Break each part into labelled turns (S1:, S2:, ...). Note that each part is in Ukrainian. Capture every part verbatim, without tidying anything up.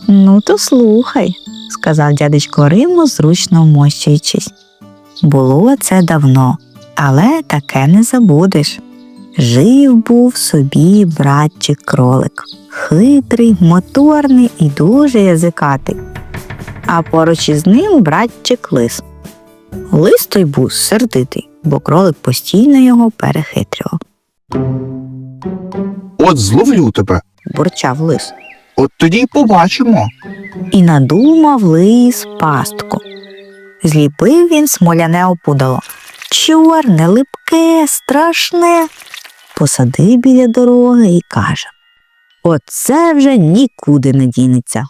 S1: Ну, то слухай, сказав дядечко Римо, зручно вмощуючись. Було це давно, але таке не забудеш. Жив був собі братчик-кролик. Хитрий, моторний і дуже язикатий. А поруч із ним братчик-лис. Лис той був сердитий, бо кролик постійно його перехитрював.
S2: От зловлю тебе.
S1: Бурчав лис.
S2: От тоді й побачимо.
S1: І надумав лис пастку. Зліпив він смоляне опудало. Чорне, липке, страшне. Посадив біля дороги і каже: оце вже нікуди не дінеться.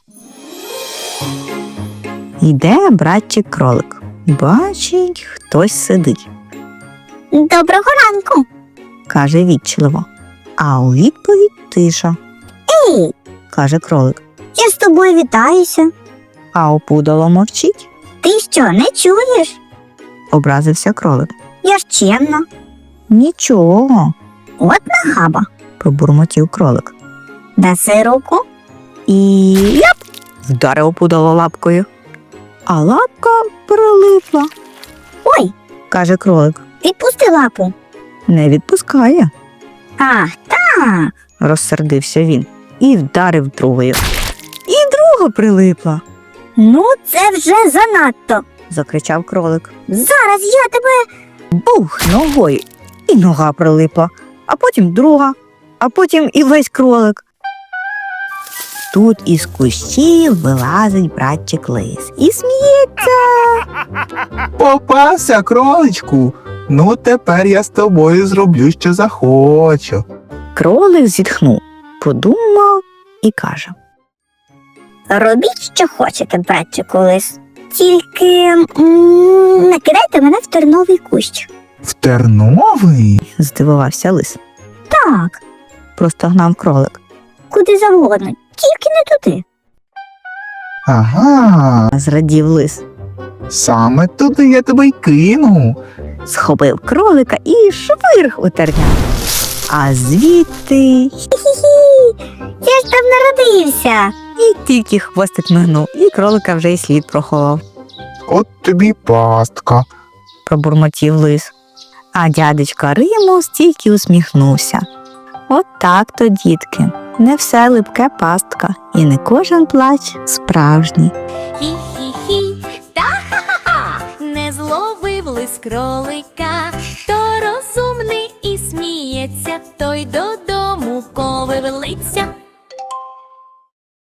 S1: Йде братчик-кролик. Бачить, хтось сидить.
S3: Доброго ранку.
S1: Каже ввічливо. А у відповідь тиша.
S3: Ей,
S1: Каже кролик.
S3: я з тобою вітаюся.
S1: А опудало мовчить.
S3: Ти що, не чуєш?
S1: Образився кролик.
S3: Я ж чемна.
S1: Нічого,
S3: От нахаба.
S1: пробурмотів кролик.
S3: Даси руку.
S1: І ляп! Вдарив опудало лапкою. А лапка прилипла,
S3: Ой,
S1: каже кролик.
S3: відпусти лапу.
S1: Не відпускає,
S3: А, та.
S1: розсердився він і вдарив другою. І друга прилипла,
S3: Ну, це вже занадто.
S1: закричав кролик.
S3: Зараз я тебе...
S1: Бух ногою, і нога прилипла, а потім друга, а потім і весь кролик. Тут із кущів вилазить братчик лис і сміється.
S2: Попався, кроличку. Ну, тепер я з тобою зроблю, що захочу.
S1: Кролик зітхнув, подумав і каже:
S3: Робіть, що хочете, братчику лис. Тільки м, не кидайте мене в терновий кущ.
S2: В терновий?
S1: здивувався лис.
S3: Так,
S1: Простогнав кролик.
S3: куди завгодно, тільки не туди.
S2: Ага,
S1: Зрадів лис.
S2: саме туди я тебе й кину.
S1: Схопив кролика і швирг у терня. А звідти
S3: Хі-хі, я ж там народився.
S1: і тільки хвостик мигнув, і кролика вже й слід проховав,
S2: От тобі пастка.
S1: пробурмотів лис. А дядечко Римо стільки усміхнувся. От так то, дітки, не все липке пастка, і не кожен плач справжній.
S4: Хі-хі-хі, та-ха-ха-ха, не зловив лис кролика, то розумний і сміється, той додому ковивлиться.